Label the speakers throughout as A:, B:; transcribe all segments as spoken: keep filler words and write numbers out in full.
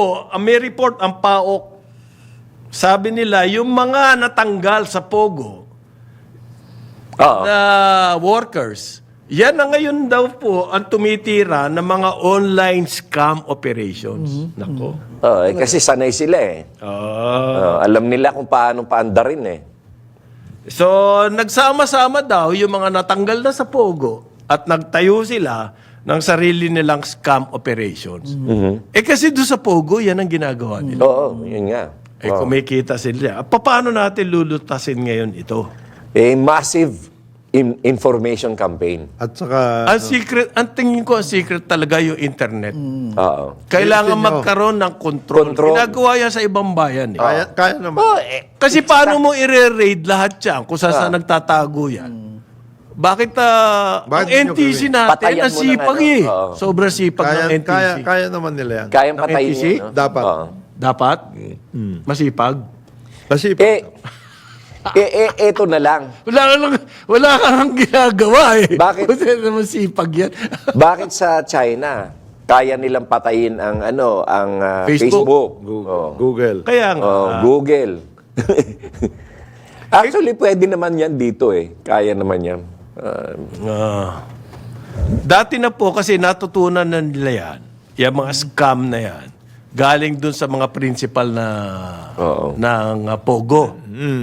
A: po, ang may report ang P A O K, sabi nila, yung mga natanggal sa Pogo
B: Oo.
A: na workers, yan na ngayon daw po ang tumitira ng mga online scam operations. Nako.
B: Oo, eh, kasi sanay sila eh.
A: Ah.
B: Oo, alam nila kung paano paandarin eh.
A: So, nagsama-sama daw yung mga natanggal na sa Pogo at nagtayo sila ng sarili nilang scam operations. Eh kasi doon sa Pogo, yan ang ginagawa nila.
B: Oo, yun nga.
A: Eh kumikita sila. Paano natin lulutasin ngayon ito?
B: Eh, massive in- information campaign.
C: At saka,
A: Ang secret, ang tingin ko ang secret talaga yung internet.
B: Oo.
A: Kailangan
C: Ayusin nyo.
A: magkaroon ng control.
B: Control.
A: Ginagawa yan sa ibang bayan. Eh.
C: kaya, kaya naman.
B: Oh, eh,
A: Kasi paano mo i-raid lahat yan kung saan saan nagtatago yan? Bakit ah,
C: Bakit
A: ang N T C
C: nyo
A: natin,
B: Patayan
A: ang
B: mo ng
A: sipag
B: ano?
A: eh.
B: Oo.
A: Sobrang sipag
C: kaya,
A: ng N T C.
C: kaya, kaya naman nila yan.
B: kayang
A: Ng
B: patayin
A: N T C?
B: yun, no?
C: Dapat.
B: Oo.
A: Dapat? Masipag?
C: Kasi,
B: Eh, eh, eh, eto na lang.
A: Wala ka lang, wala ka lang ginagawa eh.
B: Bakit?
A: Kasi naman sipag yan.
B: Bakit sa China, kaya nilang patayin ang ano, ang ah,
A: Facebook.
B: Facebook?
C: Google.
B: Oo.
C: Google.
A: Kaya nga.
B: Oh, Google. Actually, pwede naman yan dito eh. Kaya naman yan. Ah,
A: Ah. Dati na po kasi natutunan na nila yan, yung mga scam na yan, galing dun sa mga principal na
B: Oo.
A: ng ah, Pogo.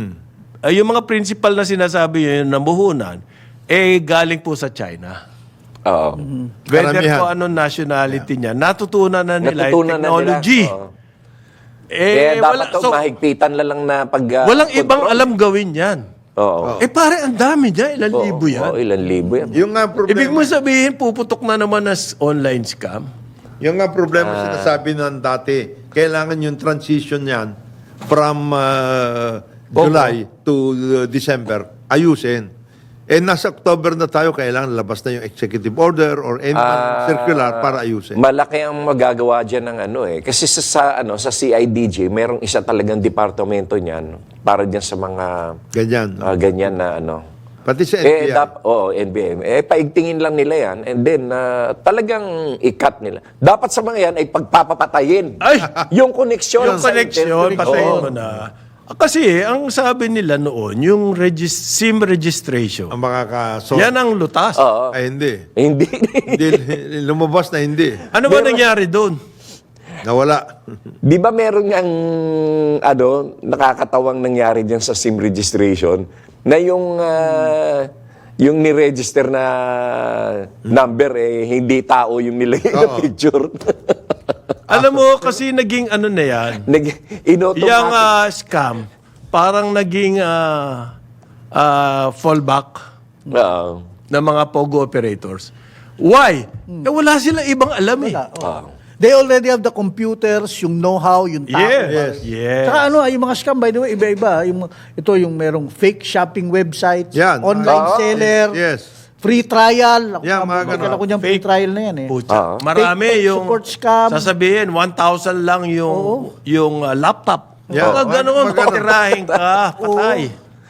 A: Ay, yung mga principal na sinasabi yun, namuhunan, eh galing po sa China.
B: Oo.
A: Whether
C: Karamihan.
A: po anong nationality niya, natutunan na nila yung
B: Natutunan na
A: technology.
B: nila. Oo.
A: Eh,
B: Kaya
A: wala,
B: dapat to,
A: so,
B: mahigpitan na lang na pag... ah,
A: walang ibang
B: control.
A: alam gawin yan.
B: Oo.
A: Eh pare, ang dami niya, ilang
B: Oo,
A: libo yan.
B: oo, ilan libo yan.
C: Yung nga problema,
A: Ibig mo sabihin, puputok na naman na s- online scam?
C: yung nga problema sinasabi ng dati, kailangan yung transition yan from uh, July to uh, December, ayusin. Eh, nasa October na tayo, kailangan labas na yung executive order or any
B: Ah,
C: circular para ayusin.
B: Malaki ang magagawa dyan ng ano eh. Kasi sa, sa, ano, sa C I D J, merong isa talagang departamento niyan para dyan sa mga
C: Ganyan.
B: ah, ganyan na ano.
C: Pati sa N B I.
B: Eh, dap, oo, N B M. Eh, paigtingin lang nila yan and then ah, talagang i-cut nila. Dapat sa mga yan ay pagpapapatayin.
A: Ay!
B: Yung connection.
A: Yung
B: sa
A: connection,
B: internet.
A: patayin
B: Oo.
A: mo na. Ah, Kasi, ang sabi nila noon, yung regis- SIM registration,
C: ang makakaso.
A: yan ang lutas.
B: Oo.
C: Ay, hindi.
B: Hindi.
C: hindi. Lumabas na hindi.
A: Ano ba nangyari doon?
C: Nawala.
B: Di ba meron ngang ano, nakakatawang nangyari diyan sa SIM registration na yung ah, yung ni-register na number eh hindi tao yung nilagay na
C: Oo.
B: picture.
A: Alam mo, kasi naging ano na yan,
B: Nag inautomatic.
A: yung ah, scam, parang naging ah, ah, fallback
B: Oo.
A: ng mga Pogo operators. Why? Eh, wala sila ibang alam eh.
B: Oo.
D: They already have the computers, yung know-how, yung tao.
A: Yes. Yes.
D: Saka ano, yung mga scam, by the way, iba-iba. Yung, ito yung merong fake shopping websites,
C: Yan.
D: online
B: Ah,
D: seller,
C: Yes.
D: free trial. Ako,
C: Yan, mga
D: mga
C: ganun.
D: ako niyang free
A: Fake.
D: trial na yan eh.
A: Pucha,
B: Ah.
A: marami
D: Fake
A: yung
D: support scam.
A: sasabihin one thousand lang yung yung ah, laptop.
C: Yeah.
A: Pag ganoon,
C: Mag- magano.
A: patirahin ka, patay.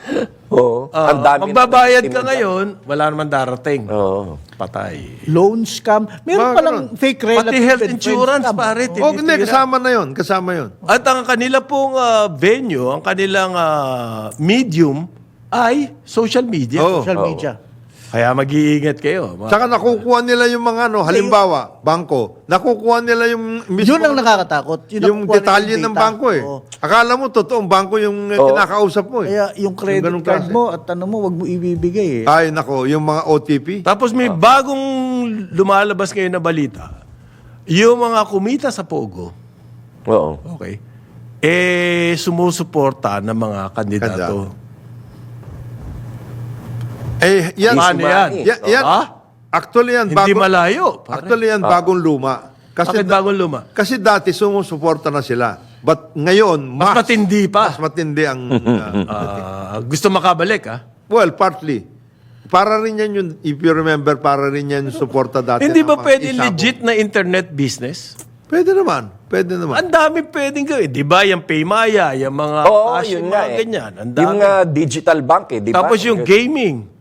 B: Oo.
A: Ah,
B: Ang dami.
A: magbabayad
B: na-
A: ka ngayon, wala naman darating.
B: Oo.
A: Patay.
D: Loan scam. Meron
C: Mga
D: palang fake relative
A: Pati health
D: and friend
A: insurance,
D: scam.
A: pare.
C: Oh, hindi.
A: tinitira.
C: Kasama na yon. Kasama yon.
A: At ang kanila pong ah, venue, ang kanilang ah, medium ay social media.
C: Oo.
D: Social
B: Oo.
D: media.
A: Kaya mag-iingat kayo. Ma-
C: Saka nakukuha nila yung mga ano, halimbawa, bangko. Nakukuha nila yung mismo,
D: Yun ang nakakatakot. Yun
C: yung
D: nakukuha nila
C: detalye
D: yung
C: ng
D: data.
C: bangko eh.
D: Oo.
C: Akala mo totoong bangko yung eh,
B: Oo.
C: kinakausap mo eh.
D: Kaya yung credit
C: ganung
D: card
C: klase.
D: mo at ano mo, wag mo ibibigay eh.
C: Ay, nako, yung mga O T P.
A: Tapos may bagong lumalabas ngayon na balita. Yung mga kumita sa Pogo,
B: Oo.
A: okay, eh sumusuporta ng mga kandidato.
C: Kandidato. Eh, yan.
A: Paano yan?
C: Ya- yan.
A: Ha?
C: Actually yan,
A: Hindi
C: bago,
A: malayo. Pare.
C: actually yan, bagong luma. Kasi,
A: Bakit bagong luma?
C: kasi dati sumusuporta na sila. But ngayon,
A: Mas
C: mas,
A: matindi pa.
C: mas matindi ang... uh,
A: Ah, gusto makabalik, ha?
C: well, partly. Para rin yan yung, if you remember, para rin yan yung suporta dati.
A: Hindi
C: ng
A: ba
C: mga
A: pwede
C: isabong.
A: legit na internet business?
C: Pwede naman. Pwede naman.
A: Ang dami pwedeng gawin. Di ba? Yung Paymaya, yung mga
B: Oo,
A: Cash,
B: yun
A: yung
B: nga
A: mga
B: eh.
A: ganyan. Ang dami.
B: Yung ah, digital bank eh, di ba?
A: Tapos yung gaming.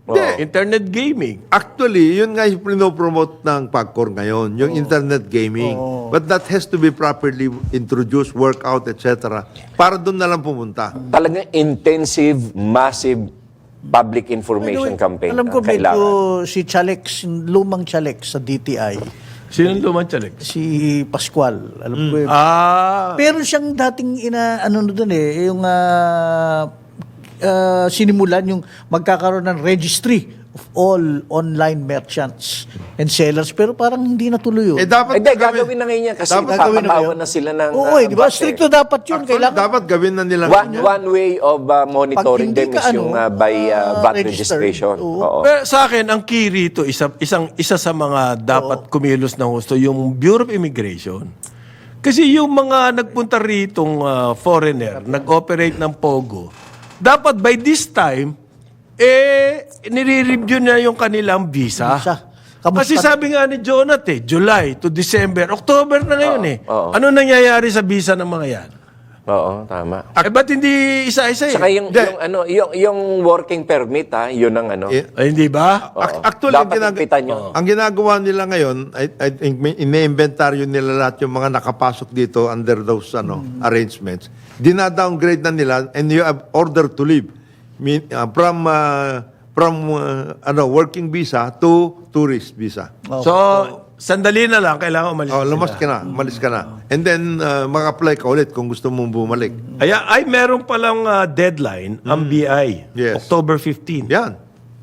C: Hindi.
A: Internet gaming.
C: Actually, yun nga yung pinopromote ng PAGCOR ngayon, yung internet gaming. But that has to be properly introduced, work out, et cetera. Para doon na lang pumunta.
B: Talagang intensive, massive public information
D: Anyway,
B: campaign
D: alam ko
B: ang kailangan.
D: medyo si Chalex, lumang Chalex sa D T I,
A: Sino lumantsalig?
D: si Pascual. Alam ko yun.
A: Ah,
D: Pero siyang dating ina ano no doon eh yung ah, ah, sinimulan yung magkakaroon ng registry of all online merchants and sellers pero parang hindi natuloy yun.
C: Eh, dapat
B: Hindi,
C: gawin-
B: gagawin na ngayon yan kasi
C: Dapat
D: gagawin na
B: papatawan
D: ngayon.
B: na sila ng...
D: Oo,
B: ah,
D: eh, di ba?
B: base.
D: Stricto dapat yun.
C: Actually,
D: Kailangan
C: dapat gawin na nila.
B: One, one way of uh, monitoring
D: Pag hindi
B: them
D: ka,
B: is yung
D: ano,
B: uh, by uh,
D: ah,
B: V A T
D: registered.
B: registration.
D: Oo.
B: Oo.
A: pero sa akin, ang key rito, isa, isang, isa sa mga dapat kumilos ng gusto, yung Bureau of Immigration. Kasi yung mga nagpunta ritong ah, foreigner, nag-operate ng Pogo, dapat by this time, eh, nire-review na yung kanilang visa.
D: Visa. Kamusta?
A: Kasi sabi nga ni Jonat eh, July to December, October na ngayon eh.
B: oo.
A: Ano nangyayari sa visa ng mga yan?
B: Oo, tama.
A: Eh, ba't hindi isa-isa eh?
B: Saka yung,
C: Hindi.
B: yung, ano, yung, yung working permit, ha, yun ang ano.
C: Eh,
A: Ay, hindi ba?
B: Oo.
C: Ac- Actually, ang,
B: Dapat
C: ginag-
B: ipitan nyo.
C: ang ginagawa nila ngayon, I, I think may ine-inventaryo nila lahat yung mga nakapasok dito under those ano arrangements. Dina-downgrade na nila and you have order to leave. Mean, uh, from uh, from uh, ano working visa to tourist visa.
A: So, sandali na lang, kailangan umalis
C: Oh,
A: na
C: lumas
A: sila.
C: ka na, umalis ka na. And then uh, mag-apply ka ulit kung gusto mong bumalik.
A: Ay, ay meron palang ah, deadline ang B I.
C: Yes.
A: October fifteenth.
C: Yan.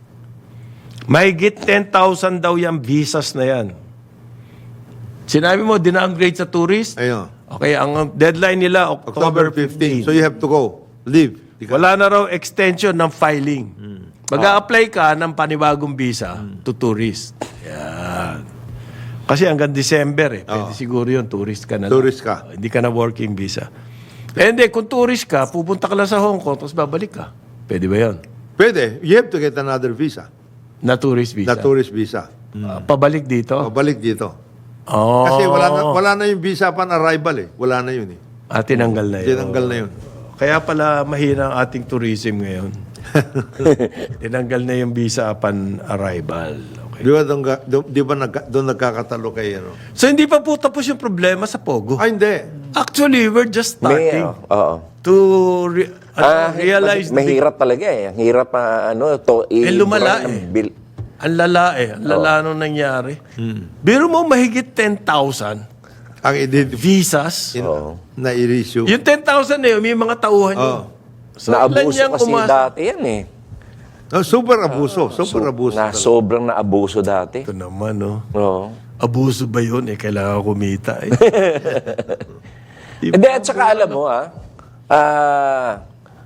A: Mahigit ten thousand daw yung visas na yan. Sinabi mo, dina-upgrade sa tourist?
C: Ayun.
A: Okay, ang deadline nila, October
C: October fifteenth.
A: fifteenth.
C: So you have to go. Leave. Di ka-
A: Wala na raw extension ng filing. Mag-a-apply ka ng panibagong visa to tourist. Yan. Kasi hanggang December eh. Pwede siguro yun, tourist ka na lang.
C: Tourist ka.
A: Oh, hindi ka na working visa. Eh hindi, kung tourist ka, pupunta ka lang sa Hong Kong, tapos babalik ka. Pwede ba yun?
C: Pwede. You have to get another visa.
A: Na tourist visa.
C: Na tourist visa.
A: Ah, pabalik dito?
C: O, balik dito.
A: Oh.
C: Kasi wala na, wala na yung visa upon arrival eh. Wala na yun eh.
A: Ah, tinanggal na yun.
C: Tinanggal na yun.
A: Kaya pala mahina ang ating tourism ngayon. Tinanggal na yung visa upon arrival. Okay.
C: Di ba doon, ga- doon- di ba nagka- doon nagkakatalo kay ano?
A: So hindi pa po tapos yung problema sa Pogo.
C: Ay, hindi.
A: Actually, we're just
B: May,
A: starting
B: uh, oo.
A: to re- ano,
B: Ah,
A: realize
B: ma- mahirap talaga eh. Ang hirap pa, ano, to,
A: Eh, lumala
B: i- ng
A: eh.
B: bill.
A: Ang lala eh. Ang lala nung nangyari. Biro mo mahigit ten thousand
C: Ang identify
A: visas.
B: Oo.
C: na i-issue.
A: Yung ten thousand na yun, may mga tauhan yun.
C: Oo.
A: So,
B: Naabuso
A: ilan niyang
B: kasi
A: umasa-
B: dati yan eh.
C: No, super abuso. Super abuso.
B: Na
C: talaga.
B: sobrang naabuso dati.
A: Ito naman, no?
B: Oo.
A: Abuso ba yun? Eh, kailangan kumita eh.
B: Hindi, at saka alam mo ah, ah,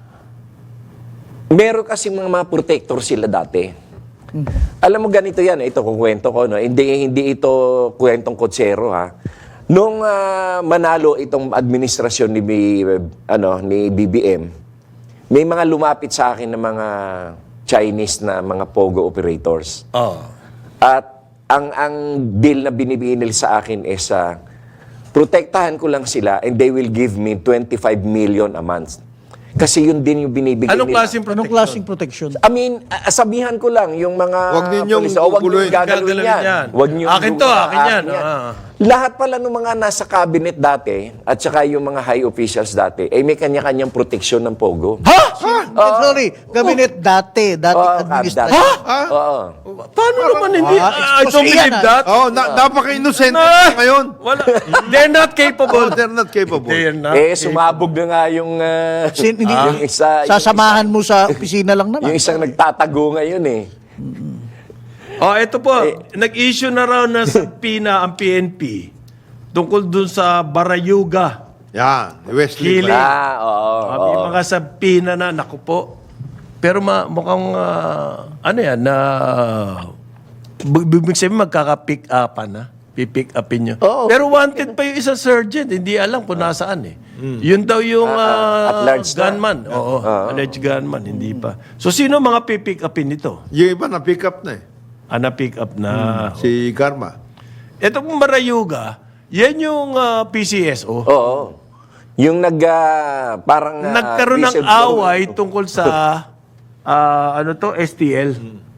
B: meron kasi mga, mga protector sila dati. Alam mo ganito yan, eh, ito kung kwento ko, no? Hindi, hindi ito kwentong kotsero ha. Nung ah, manalo itong administrasyon ni, B- ano, ni B B M, may mga lumapit sa akin ng mga Chinese na mga Pogo operators.
A: Oh.
B: At ang ang deal na binibigay nila sa akin is uh, protektahan ko lang sila and they will give me twenty-five million a month. Kasi yun din yung binibigay
A: Anong
B: nila.
A: klaseng
D: Anong
A: protection?
D: klaseng protection?
B: I mean, a- sabihan ko lang yung mga
C: Huwag ninyong
B: pulis, oh, wag
C: guguluhin.
B: ninyong gagalawin
A: Gagalawin
B: yan.
A: yan.
B: Wag ninyong
A: Akin to,
B: guguluhin.
A: akin yan. Ah.
B: Lahat pala ng mga nasa cabinet dati at saka yung mga high officials dati, eh may kanya-kanyang proteksyon ng Pogo.
D: Ha? Eh, sorry, cabinet dati, dati
B: Oo,
D: administration.
B: dati. Oo.
A: Paano naman hindi?
D: Ah,
A: I don't
D: expose yan,
A: believe
D: ah.
A: that.
C: Oh, na, napaka-innocent
A: Ah!
C: ngayon.
A: Wala. They're not
C: Oh,
A: capable.
C: they're not capable.
A: They're not
B: Eh, sumabog na nga yung, uh,
D: Sin- hindi-
B: yung isa, yung
D: Sasamahan mo sa opisina lang naman.
B: Yung isang nagtatago ngayon eh.
A: Oh, ito po. Nag-issue na raw na sa P I N A ang P N P tungkol dun sa Barayuga.
C: Yan, Wesley.
A: Killing.
B: Ah, oo.
A: Ah, may mga sa P I N A na, naku po. Pero ma, mukhang, ah, ano yan, na, uh, bibig sabihin magkaka-pick upan na. Pipick upin nyo.
B: Oo.
A: Pero wanted pa yung isang sergeant. Hindi alam kung nasaan eh. Yun daw yung
B: Ah, ah, at
A: ah,
B: large na.
A: gunman. Oo, alleged gunman. Hindi pa. So, sino mga pipick upin nito?
C: Yung iba na pick up na eh.
A: Ah, na-pick up na.
C: Si Karma.
A: Ito pong Barayuga, yan yung ah, P C S O.
B: Oo. Yung nag, ah, parang... ah,
A: Nagkaroon ng
B: whistleblower.
A: away tungkol sa ah, ano to, S T L.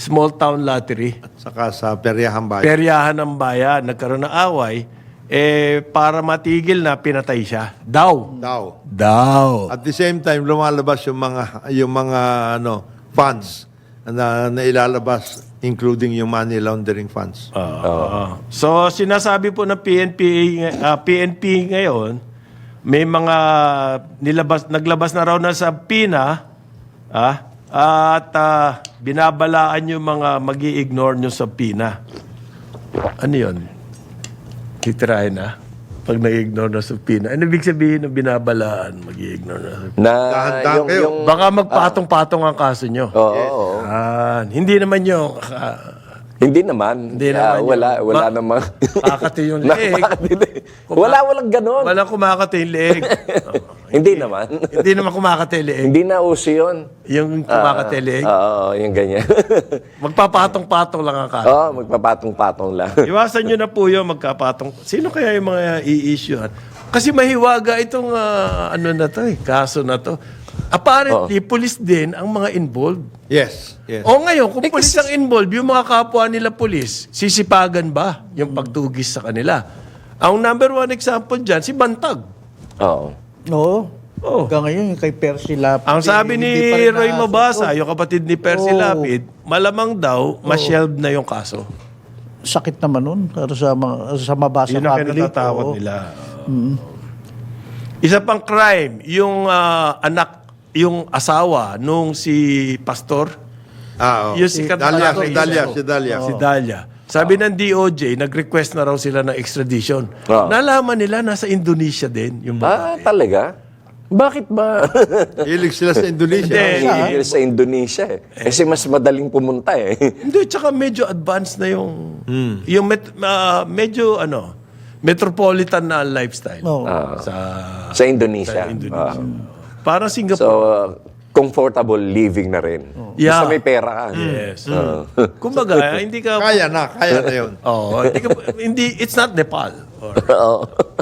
A: small town lottery.
C: Saka sa Peryahan Bayan.
A: Peryahan ng bayan, nagkaroon ng away, eh, para matigil na, pinatay siya. Daw.
C: Daw.
A: Daw.
C: At the same time, lumalabas yung mga yung mga ano funds na, na ilalabas, including yung money laundering funds.
A: Oo. So, sinasabi po ng P N P, ah, P N P ngayon, may mga nilabas, naglabas na raw na sa PINA, ah, at ah, binabalaan yung mga mag-i-ignore nyo sa PINA. Ano yun? Titirahin na? Pag nag-ignore na sa PINA. Ano ibig sabihin ng binabalaan, mag-i-ignore na sa PINA?
B: Na
C: Dahan-dahan
B: yung,
C: kayo.
B: yung
A: Baka magpatong-patong ang kaso nyo.
B: Oo, oo.
A: Ah, hindi naman yung ah,
B: Hindi naman.
A: Hindi
B: Ah,
A: naman
B: wala,
A: yun.
B: wala
A: Ma-
B: namang...
A: kakati yung leeg.
B: Nakakatili. Wala, walang ganon.
A: Walang kumakati yung leeg.
B: Hindi naman.
A: Hindi naman kumakati yung leeg.
B: Hindi na uso yun.
A: Yung kumakati yung leeg.
B: Oo, yung ganyan.
A: Magpapatong-patong lang ang kaso.
B: Oo, magpapatong-patong lang.
A: Iwasan nyo na po yung magkapatong. Sino kaya yung mga i-issue? Kasi mahiwaga itong ah, ano na to eh, kaso na to. Apparently, police din ang mga involved.
C: Yes. Yes.
A: O ngayon, kung police ang involved, yung mga kapwa nila police, sisipagan ba yung pagtugis sa kanila? Ang number one example dyan, si Bantag.
B: Oo.
D: Oo.
A: Oh.
D: Hanggang ngayon, yung kay Percy Lapid.
A: Ang sabi ni
D: hindi pa rin
A: Roy
D: na-
A: Mabasa,
D: Oh,
A: yung kapatid ni Percy
D: Oo.
A: Lapid, malamang daw, ma-shelve na yung kaso.
D: sakit naman nun. Para sa, mga, sa Mabasa
A: Yun ang
D: family.
A: kinatatakot
D: Oo.
A: nila. Isa pang crime, yung ah, anak, yung asawa nung si Pastor,
C: Ah, oh.
A: yung sikat na
C: Dalia,
A: lalaki,
C: si Dalia,
A: isa-
C: si Dalia.
A: si Dalia. Sabi ng D O J, nag-request na raw sila ng extradition.
B: Oo.
A: Nalaman nila, nasa Indonesia din yung
B: Ah,
A: babae.
B: talaga? Bakit ba?
C: Hilig sila sa Indonesia.
A: Hindi.
B: Hihigil sa Indonesia eh. Kasi mas madaling pumunta eh.
A: Hindi, tsaka medyo advanced na yung, yung met- ah, medyo ano, metropolitan na lifestyle
D: Oo.
A: sa,
B: Sa Indonesia.
A: sa Indonesia.
B: Ah.
A: Parang
B: So,
A: Singapore.
B: uh, comfortable living na rin.
A: Yeah.
B: Basta may pera ka.
A: Yes. Kumbaga, hindi ka...
C: Kaya na, kaya na yun.
A: Oo, hindi, ka, hindi, it's not Nepal. Or,
B: Oo.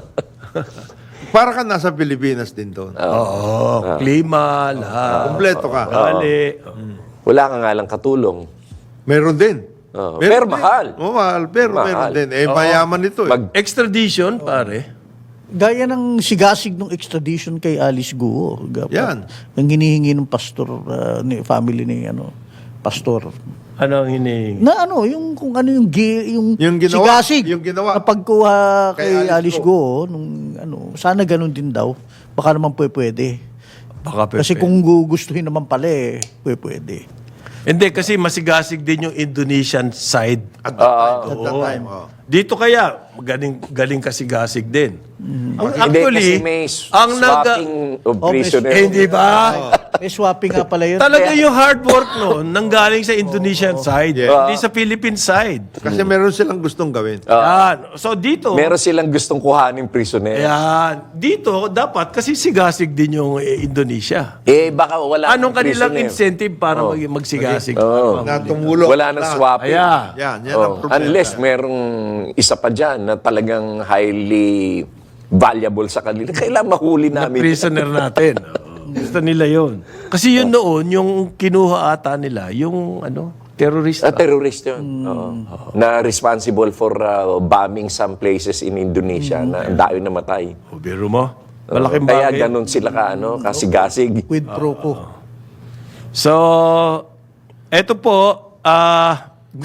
C: Para ka nasa Pilipinas din doon.
A: Oo, klima, lahat.
C: Kompleto ka.
A: Bali.
B: Wala ka nga lang katulong.
C: Meron din.
B: Oo.
C: Meron
B: Pero
C: din.
B: mahal.
C: Oo, mahal. Pero
B: Mahal.
C: meron din. Eh, mayaman ito eh.
B: Mag-
A: Extradition, pare.
D: Gaya ng sigasig ng extradition kay Alice Guo. Dapat,
C: Yan.
D: Ang hinihingi ng pastor, uh, ni family ni ano, pastor.
A: Ano ang hinihingi?
D: Na ano, yung kung ano yung gi, yung,
C: Yung ginawa,
D: sigasig
C: yung ginawa.
D: na pagkuha kay,
C: Kay Alice
D: Alice Guo, nung ano, sana ganun din daw. Baka naman pwede. pwede.
A: Baka
D: Kasi
A: pepe.
D: kung gugustuhin naman pala eh, pwede. pwede.
A: Hindi, kasi masigasig din yung Indonesian side.
C: At that time. At that
A: Oo.
C: time. Oh.
A: Dito kaya, galing, galing kasigasig din. Ang,
B: Hindi,
A: actually,
B: kasi may
A: ang nag...
B: swapping of
D: Oh, may-
B: prisoner.
A: Eh, hindi ba?
D: May swapping nga pala yun.
A: Talaga yung hard work noon, nanggaling sa Indonesian side,
C: Yeah.
A: hindi sa Philippine side.
C: Kasi meron silang gustong gawin.
A: Yan. So dito,
B: Meron silang gustong kuhanin prisoner.
A: yan. Dito, dapat, kasi sigasig din yung eh, Indonesia.
B: Eh, baka wala
A: Anong
B: ng
A: kanilang
B: prisoner.
A: incentive para mag- magsigasig?
B: Oo.
C: Na tumulong.
B: Wala nang
C: lahat.
B: swapping.
A: Ayan.
C: Yan, yan
B: Oh,
C: ang problema.
B: unless merong isa pa dyan na talagang highly valuable sa kanila. Kailangan mahuli namin.
A: Prisoner natin. Oo. Gusto nila yon. Kasi yun noon, yung kinuha ata nila, yung ano, terorista.
B: Ah, terrorist yun. Oo. Na responsible for uh, bombing some places in Indonesia na ang dami namatay.
A: O, biro mo? Malaking
B: Kaya
A: bagay.
B: ganun sila ka, ano, kasigasig.
D: With pro ko.
A: So, eto po, ah,